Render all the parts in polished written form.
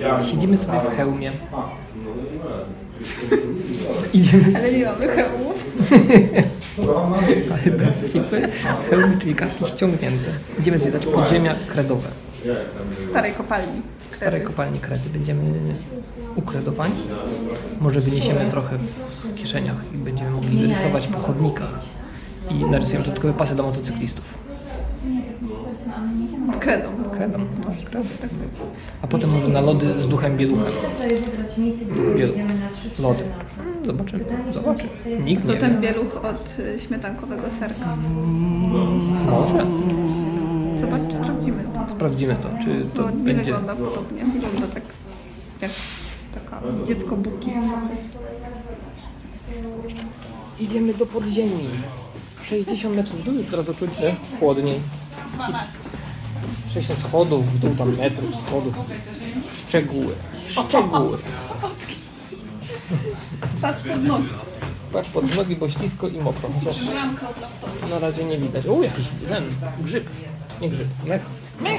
Siedzimy sobie w hełmie. Idziemy. Ale nie mamy hełmów. Ale dowcipy. Hełmy, czyli kaski ściągnięte. Idziemy zwiedzać podziemia kredowe. Z starej kopalni. W starej kopalni kredy. Będziemy ukredowani. Może wyniesiemy trochę w kieszeniach i będziemy mogli rysować po chodnikach. I narysujemy dodatkowe pasy dla motocyklistów. Kredą. Kredą, tak, kredą, tak jest. A potem może na lody z duchem bieluchem. Bieluch. Lody. Zobaczymy. Nikt To nie ten wie. bieluch od śmietankowego serka. Może. Zobacz, sprawdzimy to. Sprawdzimy to, czy to Bo nie będzie... wygląda podobnie. Wygląda tak jak taka dziecko buki. Idziemy do podziemi. 60 metrów w dół, już teraz czuć, że chłodniej. 12. 60 schodów, w dół tam metrów schodów. Szczegóły. Patrz pod nogi. Patrz pod nogi, bo ślisko i mokro. Chociaż Ramka od laptopa. na razie nie widać. O, jakiś ten grzyb. Nie grzyb, mech.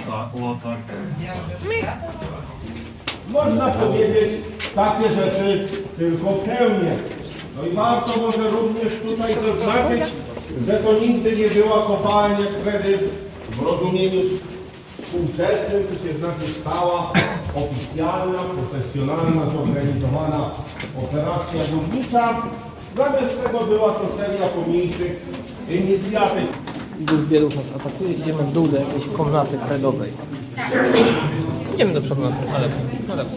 Można powiedzieć takie rzeczy tylko w hełmie. No i warto może również tutaj zaznaczyć, że to nigdy nie była kopalnia kredy w rozumieniu współczesnym, to się znaczy stała, oficjalna, profesjonalna, zorganizowana operacja górnicza. Zamiast tego była to seria pomniejszych inicjatyw. Duch bieluch nas atakuje, idziemy w dół do jakiejś komnaty kredowej. Idziemy do przodu na lewo. Na lewo.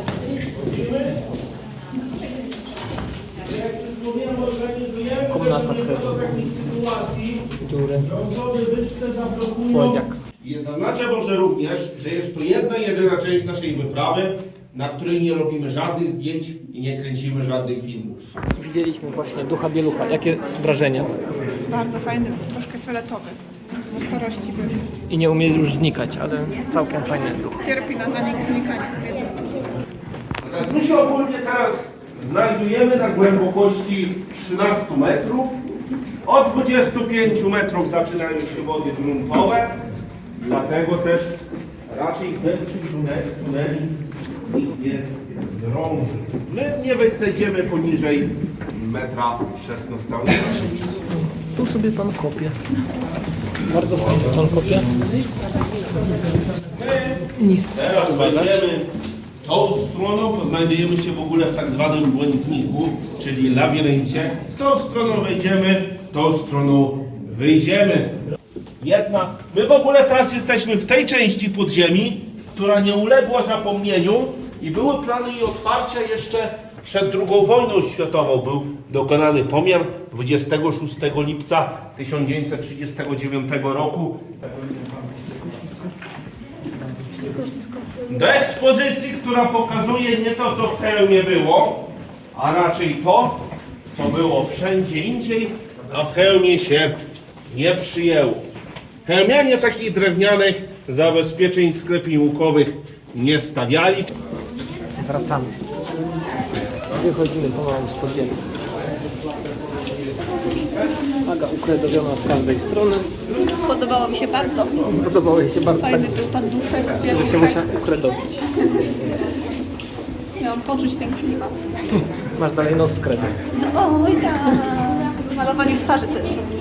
Komnata kredowa. Dziury. Słodziak. I zaznaczę może również, że jest to jedna jedyna część naszej wyprawy, na której nie robimy żadnych zdjęć i nie kręcimy żadnych filmów. Widzieliśmy właśnie ducha bielucha. Jakie wrażenia? Bardzo fajny, troszkę fioletowy. Ze starości był. I nie umie już znikać, ale całkiem fajny duch. Cierpi na zanik znikania. My się ogólnie teraz znajdujemy na głębokości 13 metrów. Od 25 metrów zaczynają się wody gruntowe, dlatego też raczej głębszych tuneli nikt nie drąży. My nie wycedziemy poniżej 1,16 m. Tu sobie pan kopie. Bardzo fajnie pan kopie. Nisko. Teraz wejdziemy tą stroną, to znajdujemy się w ogóle w tak zwanym błędniku, czyli labiryncie. Tą stroną wejdziemy, tą stroną wyjdziemy. My w ogóle teraz jesteśmy w tej części podziemi, która nie uległa zapomnieniu i były plany jej otwarcia jeszcze przed II wojną światową. Był dokonany pomiar 26 lipca 1939 roku. Do ekspozycji, która pokazuje nie to, co w hełmie było, a raczej to, co było wszędzie indziej, a w hełmie się nie przyjęło. Hełmianie takich drewnianych zabezpieczeń sklepiłkowych nie stawiali. Wracamy. Wychodzimy pomału z podziemia. Aga ukredowiona z każdej strony. Podobało mi się bardzo. Podobało jej się bardzo tak, Fajny był pan duszek, że się bieluszek. musiała ukredowić. Miałam poczuć ten klimat. Masz dalej nos z kredą. Oj tak. Malowanie twarzy sobie.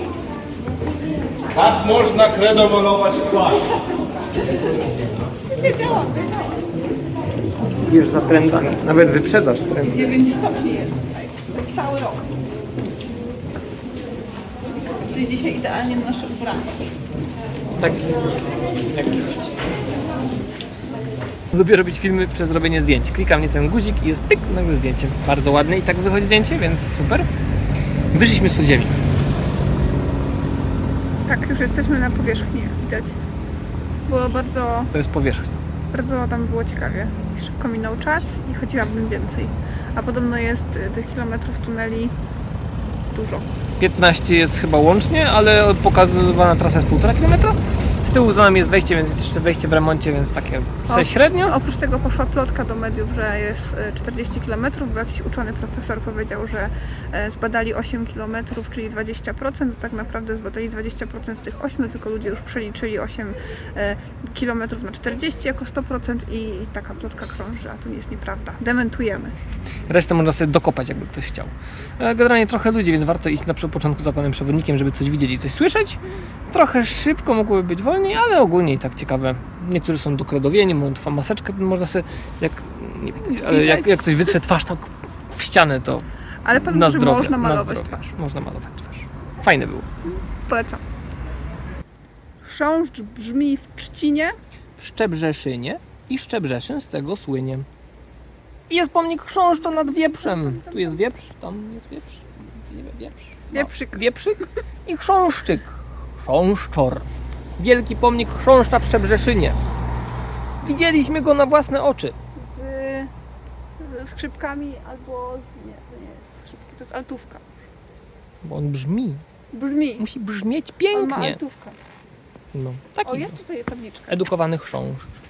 Tak można kredą malować twarz. Wiedziałam. Idziesz za trendami. Nawet wyprzedzasz trendy. 9 stopni jest tutaj. To jest cały rok. Czyli dzisiaj idealnie na nasze ubranie. Tak. Jak lubię robić filmy przez robienie zdjęć. Klikam nie ten guzik i jest pyk, nagle zdjęcie. Bardzo ładne i tak wychodzi zdjęcie, więc super. Wyszliśmy z podziemi. Tak, już jesteśmy na powierzchni, widać. Było bardzo To jest powierzchnia. tam było ciekawie. Szybko minął czas i chodziłabym więcej. A podobno jest tych kilometrów tuneli dużo. 15 jest chyba łącznie, ale pokazywana trasa jest 1,5 km. Z tyłu za nami jest wejście, więc jest jeszcze wejście w remoncie, więc takie średnio. Oprócz tego poszła plotka do mediów, że jest 40 km, bo jakiś uczony profesor powiedział, że zbadali 8 km, czyli 20%, tak naprawdę zbadali 20% z tych 8, tylko ludzie już przeliczyli 8 km na 40 jako 100% i taka plotka krąży, a to nie jest nieprawda. Dementujemy. Resztę można sobie dokopać, jakby ktoś chciał. Generalnie trochę ludzi, więc warto iść na początku za panem przewodnikiem, żeby coś widzieć i coś słyszeć. Trochę szybko mogłoby być wolniej, ale ogólnie i tak ciekawe. Niektórzy są dokredowieni, mają maseczkę, można sobie, nie widać, ale jak ktoś wytrze twarz tak w ścianę, to Ale powiem, na że zdrowie, można na malować zdrowie. twarz. Można malować twarz. Fajne było. Polecam. Chrząszcz brzmi w Trzcinie. W Szczebrzeszynie i Szczebrzeszyn z tego słynie. I jest pomnik chrząszcza nad wieprzem. Tu jest wieprz, tam jest wieprz. Wieprz. Wieprzyk. Wieprzyk i chrząszczyk. Chrząszczor. Wielki pomnik chrząszcza w Szczebrzeszynie. Widzieliśmy go na własne oczy. Z skrzypkami albo... Nie, to nie jest skrzypki, to jest altówka. Bo on brzmi. Brzmi. Musi brzmieć On ma pięknie. altówkę. No, O, taki jest tutaj tabliczka. edukowany chrząszcz.